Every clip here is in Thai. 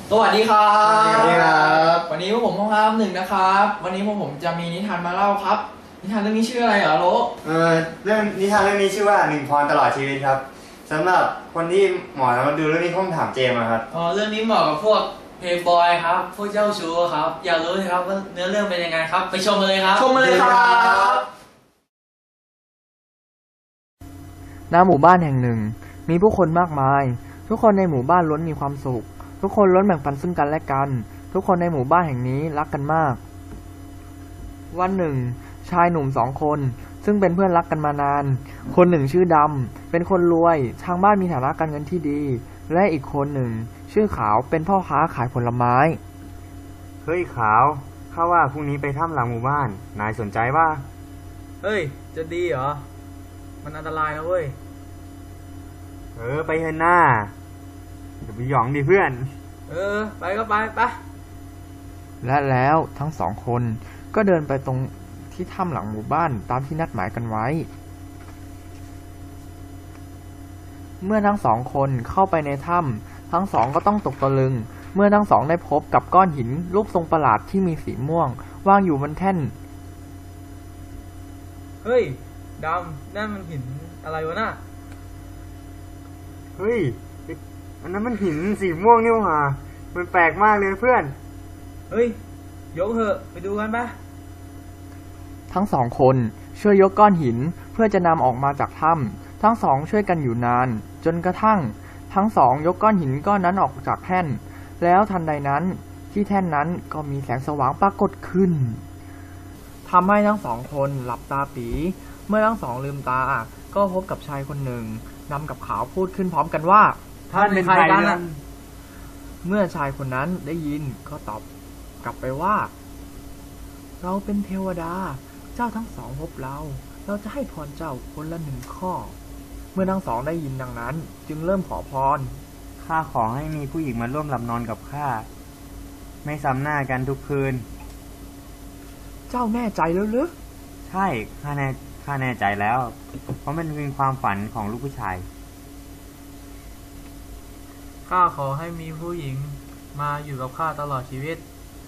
สวัสดีครับสวัสดีครับวันนี้พวกผมห้อง1นะครับวันนี้พวกผมจะมีนิทานมาเล่าครับนิทานเรื่องนี้ชื่ออะไรเหรอโลเรื่องนิทานเรื่องนี้ชื่อว่าหนึ่งพรตลอดชีวิตครับสำหรับคนที่หมอมาดูเรื่องนี้คงถามเจมส์ครับเรื่องนี้เหมาะกับพวกเพย์บอยครับพวกเจ้าชู้ครับอยากรู้เลยครับว่าเนื้อเรื่องเป็นยังไงครับไปชมกันเลยครับชมมาเลยครับณ หมู่บ้านแห่งหนึ่งมีผู้คนมากมายทุกคนในหมู่บ้านล้วนมีความสุขทุกคนล้วนแบ่งปันซึ่งกันและกันทุกคนในหมู่บ้านแห่งนี้รักกันมากวันหนึ่งชายหนุ่ม2 คนซึ่งเป็นเพื่อนรักกันมานานคนหนึ่งชื่อดำเป็นคนรวยทางบ้านมีฐานะการเงินที่ดีและอีกคนหนึ่งชื่อขาวเป็นพ่อค้าขายผลไม้เฮ้ยขาวข้าว่าพรุ่งนี้ไปถ้ำหลังหมู่บ้านนายสนใจว่าเฮ้ยจะดีเหรอมันอันตรายนะเว้ยไปเถอะหน้าเดี๋ยวไปหยองดิเพื่อนไปก็ไปและแล้วทั้ง2 คนก็เดินไปตรงที่ถ้ำหลังหมู่บ้านตามที่นัดหมายกันไว้เมื่อทั้ง2 คนเข้าไปในถ้ำทั้ง2ก็ต้องตกตะลึงเมื่อทั้ง2ได้พบกับก้อนหินรูปทรงประหลาดที่มีสีม่วงวางอยู่บนแท่นเฮ้ยดำนั่นมันหินอะไรวะน่ะเฮ้ยอันนั้นมันหินสีม่วงนี่หว่ามันแปลกมากเลยเพื่อนเฮ้ยยกเถอะไปดูกันปะทั้ง2 คนช่วยยกก้อนหินเพื่อจะนำออกมาจากถ้ำทั้ง2ช่วยกันอยู่นานจนกระทั่งทั้ง2ยกก้อนหินก้อนนั้นออกจากแท่นแล้วทันใดนั้นที่แท่นนั้นก็มีแสงสว่างปรากฏขึ้นทำให้ทั้ง2 คนหลับตาปีเมื่อทั้ง2ลืมตาก็พบกับชายคนหนึ่งดำกับขาวพูดขึ้นพร้อมกันว่าท่านเป็นใครกันล่ะเมื่อชายคนนั้นได้ยินก็ตอบกลับไปว่าเราเป็นเทวดาเจ้าทั้ง2พบเราจะให้พรเจ้าคนละ1 ข้อเมื่อทั้ง2ได้ยินดังนั้นจึงเริ่มขอพรข้าขอให้มีผู้หญิงมาร่วมหลับนอนกับข้าไม่ซ้ำหน้ากันทุกคืนเจ้าแน่ใจแล้วหรือใช่ข้าแน่ใจแล้วเพราะมันเป็นความฝันของลูกผู้ชายข้าขอให้มีผู้หญิงมาอยู่กับข้าตลอดชีวิต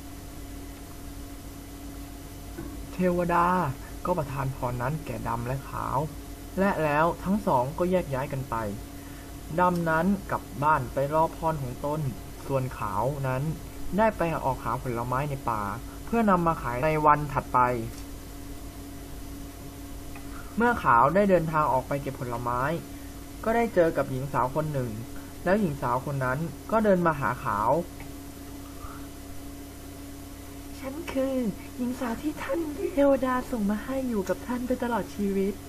เทวดาก็ประทานพรนั้นแก่ดำและขาวและแล้วทั้ง2ก็แยกย้ายกันไปดำนั้นกลับบ้านไปรอพรของตนส่วนขาวนั้นได้ไปออกหาผลไม้ในป่าเพื่อนำมาขายในวันถัดไปเมื่อขาวได้เดินทางออกไปเก็บผลไม้ก็ได้เจอกับหญิงสาวคนหนึ่งแล้วหญิงสาวคนนั้นก็เดินมาหาขาวฉันคือหญิงสาวที่ท่านเทวดาส่งมาให้อยู่กับท่านไปตลอดชีวิต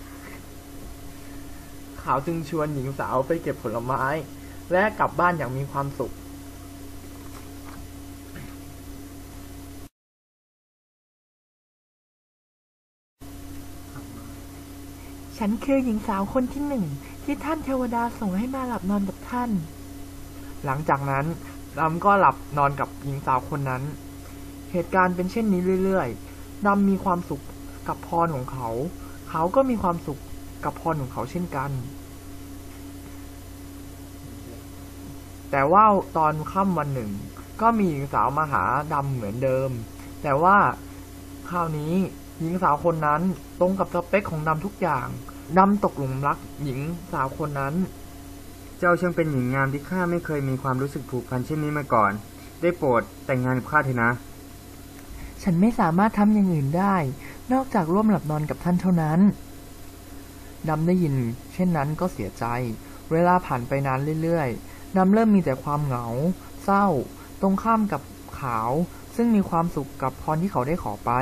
ขาวจึงชวนหญิงสาวไปเก็บผลไม้และกลับบ้านอย่างมีความสุขฉันคือหญิงสาวคนที่1ที่ท่านเทวดาส่งให้มาหลับนอนกับท่านหลังจากนั้นดำก็หลับนอนกับหญิงสาวคนนั้นเหตุการณ์เป็นเช่นนี้เรื่อยๆดำมีความสุขกับพรของเขาเขาก็มีความสุขกับพรของเขาเช่นกันแต่ว่าตอนค่ำวันหนึ่งก็มีหญิงสาวมาหาดำเหมือนเดิมแต่ว่าคราวนี้หญิงสาวคนนั้นตรงกับสเปคของดำทุกอย่างดำตกหลุมรักหญิงสาวคนนั้นเจ้าช่างเป็นหญิงงามที่ข้าไม่เคยมีความรู้สึกผูกพันเช่นนี้มาก่อนได้โปรดแต่งงานกับข้าเถอะนะฉันไม่สามารถทำอย่างอื่นได้นอกจากร่วมหลับนอนกับท่านเท่านั้นดำได้ยินเช่นนั้นก็เสียใจเวลาผ่านไปนานเรื่อยๆดำเริ่มมีแต่ความเหงาเศร้าตรงข้ามกับขาวซึ่งมีความสุขกับพรที่เขาได้ขอไป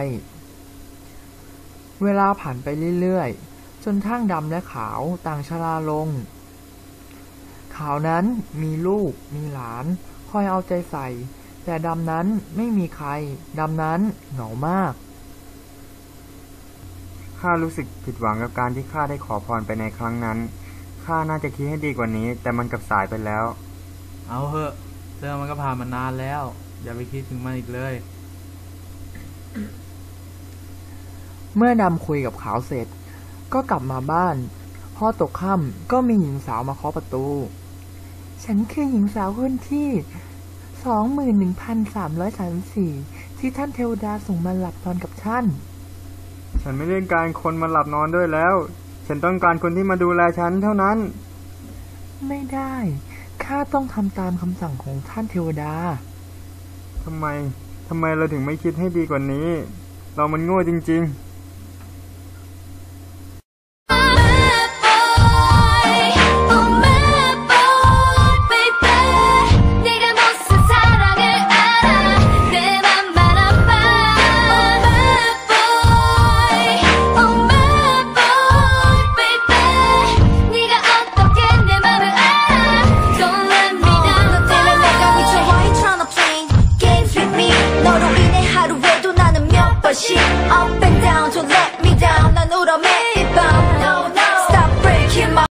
เวลาผ่านไปเรื่อยๆจนทั้งดำและขาวต่างชราลงขาวนั้นมีลูกมีหลานคอยเอาใจใส่แต่ดำนั้นไม่มีใครดำนั้นเหงามากข้ารู้สึกผิดหวังกับการที่ข้าได้ขอพรไปในครั้งนั้นข้าน่าจะคิดให้ดีกว่านี้แต่มันกลับสายไปแล้วเอาเถอะเรื่องมันก็ผ่านมานานแล้วอย่าไปคิดถึงมันอีกเลยเมื่อดำคุยกับขาวเสร็จก็กลับมาบ้านพอตกค่ำก็มีหญิงสาวมาเคาะประตูฉันคือหญิงสาวคนที่ 21,334 ที่ท่านเทวดาส่งมาหลับนอนกับท่านฉันไม่ได้การคนมาหลับนอนด้วยแล้ว ฉันต้องการคนที่มาดูแลฉันเท่านั้นไม่ได้ ข้าต้องทำตามคำสั่งของท่านเทวดาทำไมเราถึงไม่คิดให้ดีกว่านี้ เรามันโง่จริงๆ